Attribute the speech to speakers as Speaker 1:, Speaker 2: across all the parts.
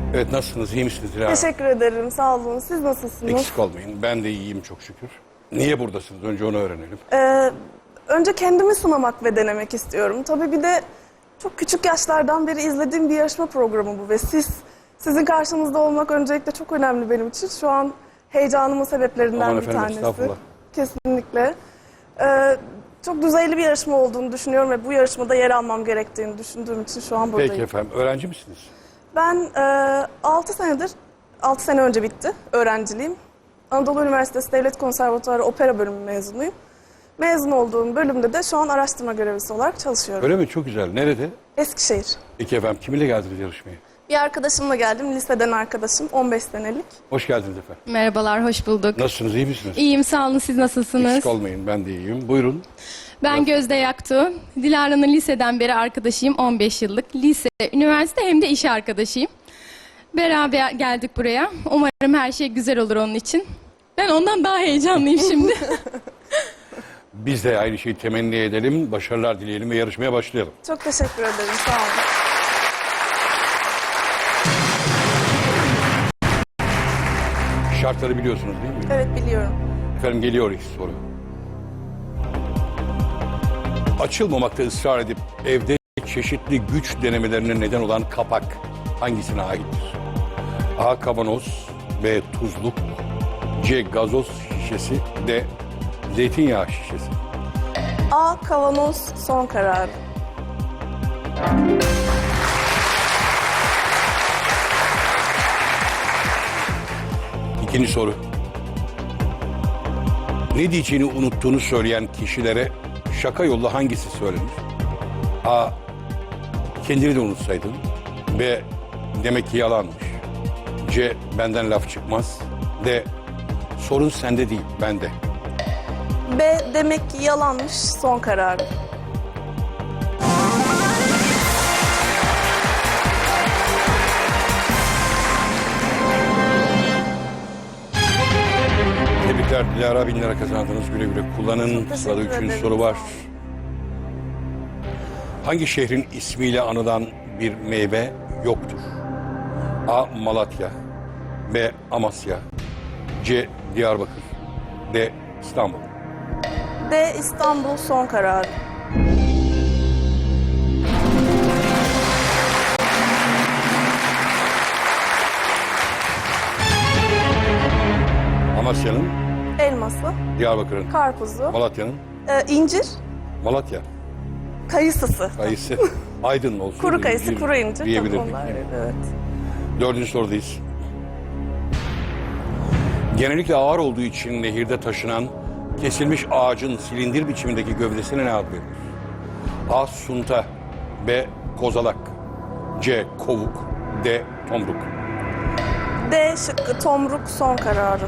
Speaker 1: Evet, nasılsınız? İyi misiniz Dilara?
Speaker 2: Teşekkür ederim. Sağ olun. Siz nasılsınız?
Speaker 1: Eksik olmayın. Ben de iyiyim çok şükür. Niye buradasınız? Önce onu öğrenelim.
Speaker 2: Önce kendimi sınamak ve denemek istiyorum. Tabii bir de çok küçük yaşlardan beri izlediğim bir yarışma programı bu ve sizin karşınızda olmak öncelikle çok önemli benim için. Şu an heyecanımın sebeplerinden
Speaker 1: Aman
Speaker 2: bir
Speaker 1: efendim,
Speaker 2: tanesi.
Speaker 1: estağfurullah.
Speaker 2: Kesinlikle. Çok düzeyli bir yarışma olduğunu düşünüyorum ve bu yarışmada yer almam gerektiğini düşündüğüm için şu an buradayım.
Speaker 1: Peki efendim. Öğrenci misiniz?
Speaker 2: Ben 6 sene önce bitti öğrenciliğim. Anadolu Üniversitesi Devlet Konservatuarı Opera Bölümü mezunuyum. Mezun olduğum bölümde de şu an araştırma görevlisi olarak çalışıyorum.
Speaker 1: Öyle mi? Çok güzel. Nerede?
Speaker 2: Eskişehir.
Speaker 1: Peki efendim. Kiminle geldiniz yarışmaya?
Speaker 2: Bir arkadaşımla geldim, liseden arkadaşım, 15 senelik.
Speaker 1: Hoş geldiniz efendim.
Speaker 3: Merhabalar, hoş bulduk.
Speaker 1: Nasılsınız? İyi misiniz?
Speaker 3: İyiyim, sağ olun. Siz nasılsınız?
Speaker 1: Eksik olmayın. Ben de iyiyim. Buyurun.
Speaker 3: Ben Gözde Yaktu. Dilara'nın liseden beri arkadaşıyım, 15 yıllık. Lise, üniversite hem de iş arkadaşıyım. Beraber geldik buraya. Umarım her şey güzel olur onun için. Ben ondan daha heyecanlıyım şimdi.
Speaker 1: Biz de aynı şeyi temenni edelim. Başarılar dileyelim ve yarışmaya başlayalım.
Speaker 2: Çok teşekkür ederim, sağ olun.
Speaker 1: Şartları biliyorsunuz değil mi?
Speaker 2: Evet, biliyorum.
Speaker 1: Efendim geliyor ilk soru. Açılmamakta ısrar edip evde çeşitli güç denemelerine neden olan kapak hangisine aittir? A. Kavanoz, B. Tuzluk, C. Gazoz şişesi, D. Zeytinyağı şişesi.
Speaker 2: A. Kavanoz son kararı.
Speaker 1: İkinci soru. Ne diyeceğini unuttuğunu söyleyen kişilere şaka yolla hangisi söylenir? A. Kendini de unutsaydın. B. Demek ki yalanmış. C. Benden laf çıkmaz. D. Sorun sende değil, bende.
Speaker 2: B. Demek ki yalanmış son kararı.
Speaker 1: Tebrikler Dilara, 1000 lira kazandınız. Güle güle kullanın.
Speaker 2: Çok
Speaker 1: Sırada
Speaker 2: teşekkür
Speaker 1: üçüncü
Speaker 2: ederim.
Speaker 1: soru var. Hangi şehrin ismiyle anılan bir meyve yoktur? A. Malatya, B. Amasya, C. Diyarbakır, D. İstanbul.
Speaker 2: D. İstanbul son kararı.
Speaker 1: Amasya'nın,
Speaker 2: Elması,
Speaker 1: Diyarbakır'ın,
Speaker 2: karpuzu,
Speaker 1: Malatya'nın,
Speaker 2: incir,
Speaker 1: Malatya,
Speaker 2: kayısısı.
Speaker 1: kayısı, Aydın olsun.
Speaker 2: Kuru kayısı, kuru incir.
Speaker 1: Diyebilirdik.
Speaker 2: Tabii onlar, evet.
Speaker 1: Dördüncü sorudayız. Genellikle ağır olduğu için nehirde taşınan kesilmiş ağacın silindir biçimindeki gövdesine ne ad verilir? A. Sunta, B. Kozalak, C. Kovuk, D. Tomruk.
Speaker 2: D şıkkı tomruk son kararı.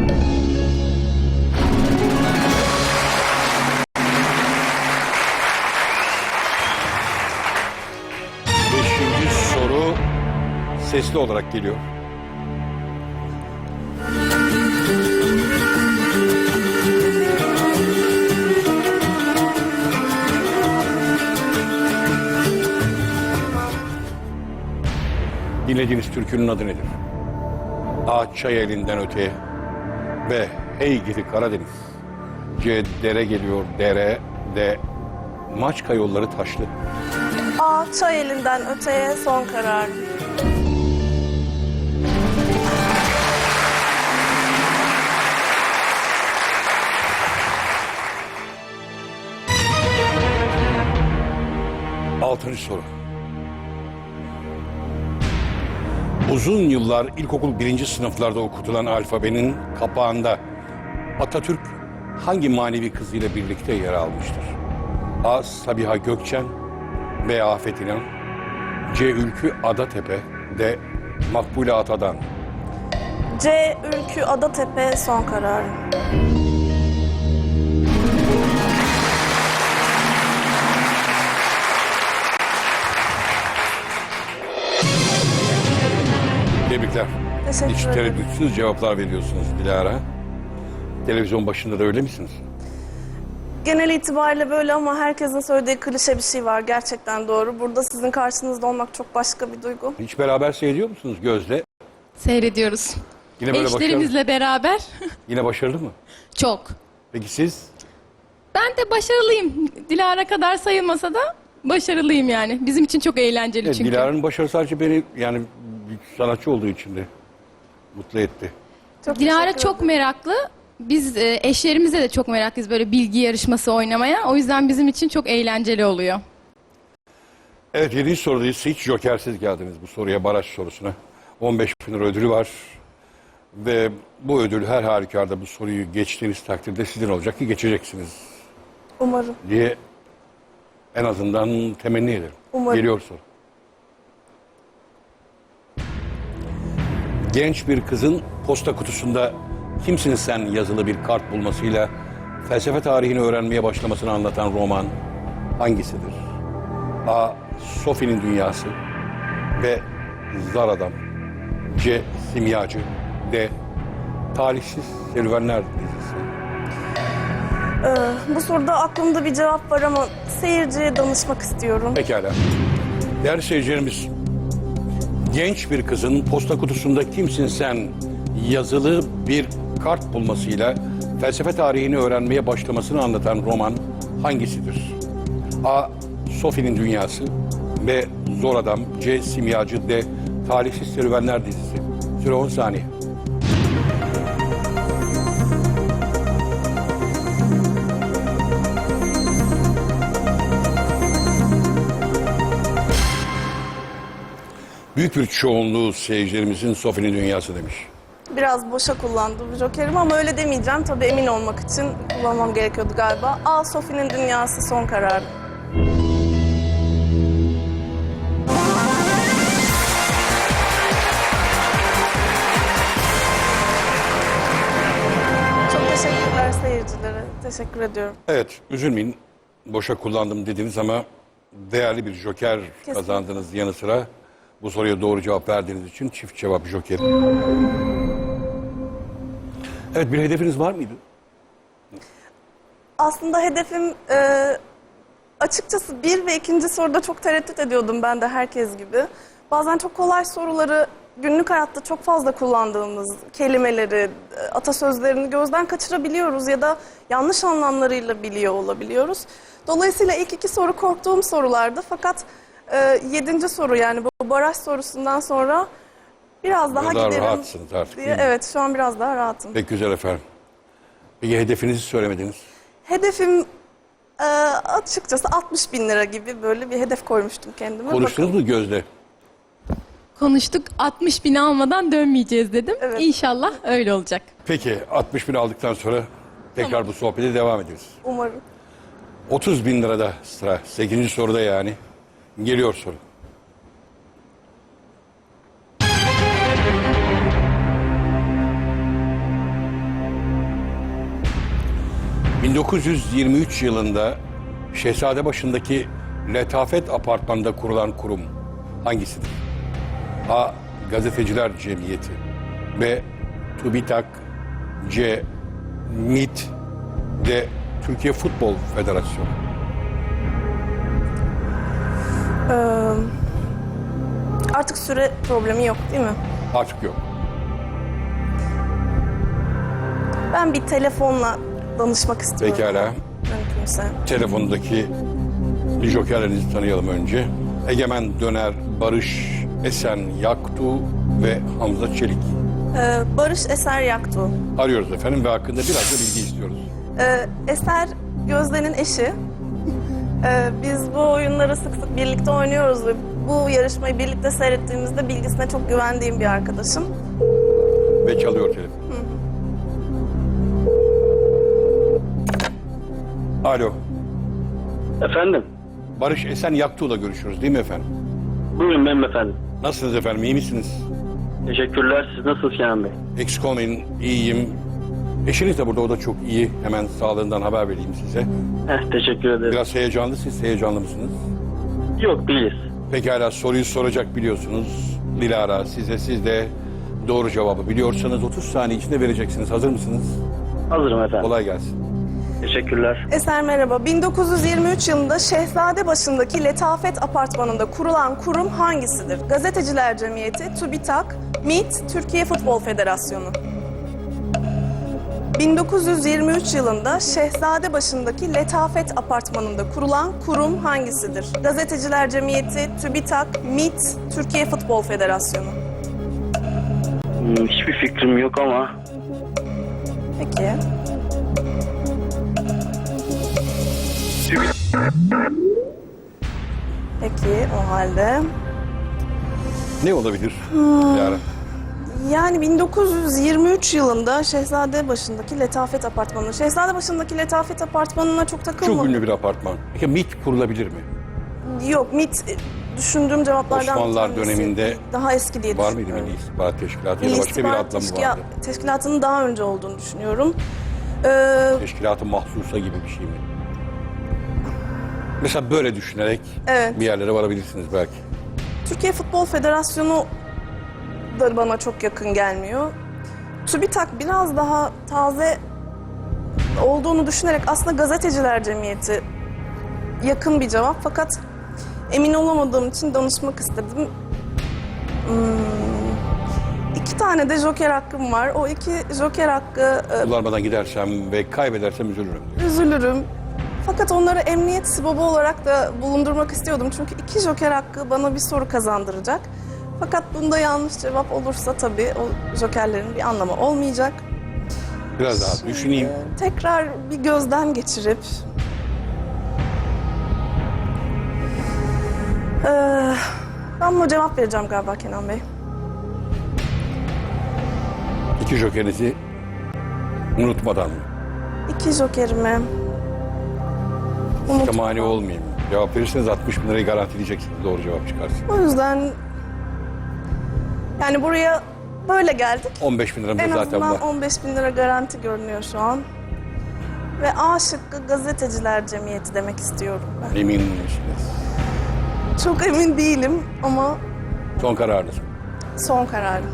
Speaker 1: Beşinci soru sesli olarak geliyor. Dinlediğiniz türkünün adı nedir? A. Çay elinden öteye, B. Hey gidi Karadeniz, C. Dere geliyor dere, D. Maçka yolları taşlı.
Speaker 2: A. Çay elinden öteye son kararı.
Speaker 1: Altıncı soru. Uzun yıllar ilkokul 1. sınıflarda okutulan alfabenin kapağında Atatürk hangi manevi kızıyla birlikte yer almıştır? A. Sabiha Gökçen, B. Afet İnan, C. Ülkü Adatepe, D. Makbule Atadan.
Speaker 2: C. Ülkü Adatepe son kararı.
Speaker 1: Tebrikler.
Speaker 2: Teşekkür
Speaker 1: Hiç
Speaker 2: ederim.
Speaker 1: tereddütsüz cevaplar veriyorsunuz Dilara. Televizyon başında da öyle misiniz?
Speaker 2: genel itibariyle böyle ama herkesin söylediği klişe bir şey var. Gerçekten doğru. Burada sizin karşınızda olmak çok başka bir duygu.
Speaker 1: Hiç beraber seyrediyor musunuz Gözde?
Speaker 3: Seyrediyoruz.
Speaker 1: Yine böyle başarılı.
Speaker 3: Eşlerimizle beraber.
Speaker 1: Yine başarılı mı?
Speaker 3: Çok.
Speaker 1: Peki siz?
Speaker 3: Ben de başarılıyım. Dilara kadar sayılmasa da başarılıyım yani. Bizim için çok eğlenceli
Speaker 1: Evet,
Speaker 3: çünkü.
Speaker 1: Dilara'nın başarısı sadece beni yani bir sanatçı olduğu için de mutlu etti.
Speaker 2: Çok
Speaker 3: Dilara
Speaker 2: teşekkür
Speaker 3: çok
Speaker 2: ederim.
Speaker 3: meraklı. Biz eşlerimizle de çok meraklıyız böyle bilgi yarışması oynamaya. O yüzden bizim için çok eğlenceli oluyor.
Speaker 1: Evet 7. sorudayız. Hiç jokersiz geldiniz bu soruya, baraj sorusuna. 15 bin lira ödülü var. Ve bu ödül her halükarda bu soruyu geçtiğiniz takdirde sizin olacak ki geçeceksiniz
Speaker 2: Umarım.
Speaker 1: diye en azından temenni ederim.
Speaker 2: Umarım.
Speaker 1: Geliyor soru. Genç bir kızın posta kutusunda "Kimsin sen?" yazılı bir kart bulmasıyla felsefe tarihini öğrenmeye başlamasını anlatan roman hangisidir? A. Sophie'nin Dünyası. B. Zar Adam. C. Simyacı. D. Talihsiz Serüvenler dizisi.
Speaker 2: Bu soruda aklımda bir cevap var ama seyirciye danışmak istiyorum.
Speaker 1: Pekala. Değerli seyircilerimiz, genç bir kızın posta kutusunda "Kimsin sen?" yazılı bir kart bulmasıyla felsefe tarihini öğrenmeye başlamasını anlatan roman hangisidir? A. Sophie'nin Dünyası. B. Zor Adam. C. Simyacı. D. Talihsiz Serüvenler dizisi. Süre 10 saniye. Büyük bir çoğunluğu seyircilerimizin Sophie'nin Dünyası demiş.
Speaker 2: Biraz boşa kullandım jokerimi ama öyle demeyeceğim. Tabii emin olmak için kullanmam gerekiyordu galiba. A. Sophie'nin Dünyası son karar. Çok teşekkürler seyircilere. Teşekkür ediyorum.
Speaker 1: Evet, üzülmeyin. Boşa kullandım dediniz ama değerli bir joker kazandınız yanı sıra. Bu soruya doğru cevap verdiğiniz için çift cevap jokeri. Evet, bir hedefiniz var mıydı?
Speaker 2: Aslında hedefim açıkçası 1 ve 2. soruda çok tereddüt ediyordum ben de herkes gibi. Bazen çok kolay soruları günlük hayatta çok fazla kullandığımız kelimeleri, atasözlerini gözden kaçırabiliyoruz ya da yanlış anlamlarıyla biliyor olabiliyoruz. Dolayısıyla ilk 2 soru korktuğum sorulardı fakat 7. soru yani bu baraj sorusundan sonra biraz daha
Speaker 1: Daha
Speaker 2: giderim
Speaker 1: rahatsınız artık,
Speaker 2: diye.
Speaker 1: değil mi?
Speaker 2: Evet şu an biraz daha rahatım.
Speaker 1: Pek güzel efendim. Peki hedefinizi söylemediniz.
Speaker 2: Hedefim açıkçası 60 bin lira gibi böyle bir hedef koymuştum kendime.
Speaker 1: Konuştunuz mu Gözde?
Speaker 3: Konuştuk 60 bin almadan dönmeyeceğiz dedim.
Speaker 2: Evet.
Speaker 3: İnşallah öyle olacak.
Speaker 1: Peki 60 bin aldıktan sonra tekrar bu sohbete devam ederiz.
Speaker 2: Umarım.
Speaker 1: 30 bin lirada sıra. 8. soruda yani. Geliyor soru. ...1923 yılında Şehzadebaşı'ndaki Letafet Apartmanı'nda kurulan kurum hangisidir? A. Gazeteciler Cemiyeti. B. TÜBİTAK. C. MİT. D. Türkiye Futbol Federasyonu.
Speaker 2: Artık süre problemi yok değil mi?
Speaker 1: Artık yok.
Speaker 2: Ben bir telefonla danışmak istiyorum.
Speaker 1: Pekala.
Speaker 2: Mümkünse.
Speaker 1: Telefondaki jokerlerinizi tanıyalım önce. Egemen Döner, Barış Esen Yaktu ve Hamza Çelik.
Speaker 2: Barış Eser Yaktu.
Speaker 1: Arıyoruz efendim ve hakkında biraz da bilgi istiyoruz.
Speaker 2: Eser Gözde'nin eşi. Biz bu oyunları sık sık birlikte oynuyoruz ve bu yarışmayı birlikte seyrettiğimizde bilgisine çok güvendiğim bir arkadaşım.
Speaker 1: Ve çalıyor telefon. Alo.
Speaker 4: Efendim?
Speaker 1: Barış Esen Yaktu'yla görüşüyoruz değil mi efendim?
Speaker 4: Buyurun benim efendim.
Speaker 1: Nasılsınız efendim? İyi misiniz?
Speaker 4: Teşekkürler. Siz nasılsınız Kenan Bey?
Speaker 1: Eksik olmayın. İyiyim. Eşiniz de burada. O da çok iyi. Hemen sağlığından haber vereyim size.
Speaker 4: Teşekkür ederim.
Speaker 1: Biraz heyecanlı. Siz heyecanlı mısınız?
Speaker 4: Yok değiliz.
Speaker 1: Pekala soruyu soracak biliyorsunuz. Dilara siz de doğru cevabı biliyorsanız 30 saniye içinde vereceksiniz. Hazır mısınız?
Speaker 4: Hazırım efendim.
Speaker 1: Kolay gelsin.
Speaker 4: Teşekkürler.
Speaker 2: Eser merhaba. 1923 yılında Şehzadebaşı'ndaki Letafet Apartmanı'nda kurulan kurum hangisidir? Gazeteciler Cemiyeti, TÜBİTAK, MİT, Türkiye Futbol Federasyonu. 1923 yılında Şehzadebaşı'ndaki Letafet Apartmanı'nda kurulan kurum hangisidir? Gazeteciler Cemiyeti, TÜBİTAK, MİT, Türkiye Futbol Federasyonu.
Speaker 4: Hiçbir fikrim yok ama
Speaker 2: Peki. Peki o halde.
Speaker 1: Ne olabilir Dilara?
Speaker 2: Yani 1923 yılında Şehzadebaşı'ndaki Letafet Apartmanı. Şehzadebaşı'ndaki Letafet Apartmanı'na çok takılmadım.
Speaker 1: Çok ünlü bir apartman. Peki MİT kurulabilir mi?
Speaker 2: Yok, MİT düşündüğüm cevaplardan
Speaker 1: Osmanlılar
Speaker 2: bir tanesi.
Speaker 1: döneminde
Speaker 2: Daha eski diye
Speaker 1: var mıydı
Speaker 2: düşünüyorum.
Speaker 1: Milli İstihbarat Teşkilatı ya da
Speaker 2: Milli
Speaker 1: başka bir
Speaker 2: İstihbarat
Speaker 1: adla mı vardı?
Speaker 2: Teşkilatı'nın daha önce olduğunu düşünüyorum.
Speaker 1: Teşkilat-ı Mahsusa gibi bir şey mi? Mesela böyle düşünerek
Speaker 2: Evet.
Speaker 1: bir yerlere varabilirsiniz belki.
Speaker 2: Türkiye Futbol Federasyonu da bana çok yakın gelmiyor. TÜBİTAK biraz daha taze olduğunu düşünerek aslında Gazeteciler Cemiyeti yakın bir cevap. Fakat emin olamadığım için danışmak istedim. 2 tane de joker hakkım var. O 2 joker hakkı
Speaker 1: Kullanmadan gidersem ve kaybedersem üzülürüm diyor.
Speaker 2: üzülürüm. Fakat onları emniyet sibabı olarak da bulundurmak istiyordum. Çünkü 2 joker hakkı bana bir soru kazandıracak. Fakat bunda yanlış cevap olursa tabii o jokerlerin bir anlamı olmayacak.
Speaker 1: Biraz daha düşüneyim.
Speaker 2: Tekrar bir gözden geçirip... ben buna cevap vereceğim galiba Kenan Bey.
Speaker 1: 2 jokerinizi unutmadan mı?
Speaker 2: 2 jokerimi...
Speaker 1: Size mani olmayayım. Cevap verirseniz 60 bin lirayı garantileyeceksiniz doğru cevap çıkarsa.
Speaker 2: O yüzden... Yani buraya böyle geldik.
Speaker 1: 15 bin liram da
Speaker 2: En
Speaker 1: zaten
Speaker 2: azından
Speaker 1: var.
Speaker 2: 15 bin lira garanti görünüyor şu an. Ve A şıkkı Gazeteciler Cemiyeti demek istiyorum ben.
Speaker 1: Emin misiniz?
Speaker 2: Çok emin değilim ama
Speaker 1: Son kararınız.
Speaker 2: son kararım.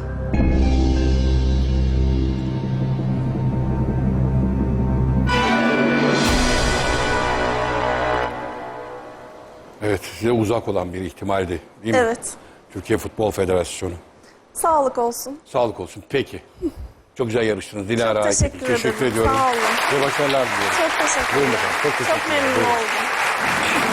Speaker 1: Evet, size uzak olan bir ihtimaldi değil mi?
Speaker 2: Evet.
Speaker 1: Türkiye Futbol Federasyonu.
Speaker 2: Sağlık olsun.
Speaker 1: Sağlık olsun. Peki. Çok güzel yarıştınız Dilara.
Speaker 2: teşekkür ederim.
Speaker 1: ediyorum.
Speaker 2: Sağ olun.
Speaker 1: Ve başarılar diliyorum.
Speaker 2: Çok teşekkür
Speaker 1: Buyurun
Speaker 2: ederim.
Speaker 1: efendim. Çok teşekkür
Speaker 2: Çok
Speaker 1: ederim.
Speaker 2: memnun
Speaker 1: Buyurun.
Speaker 2: oldum.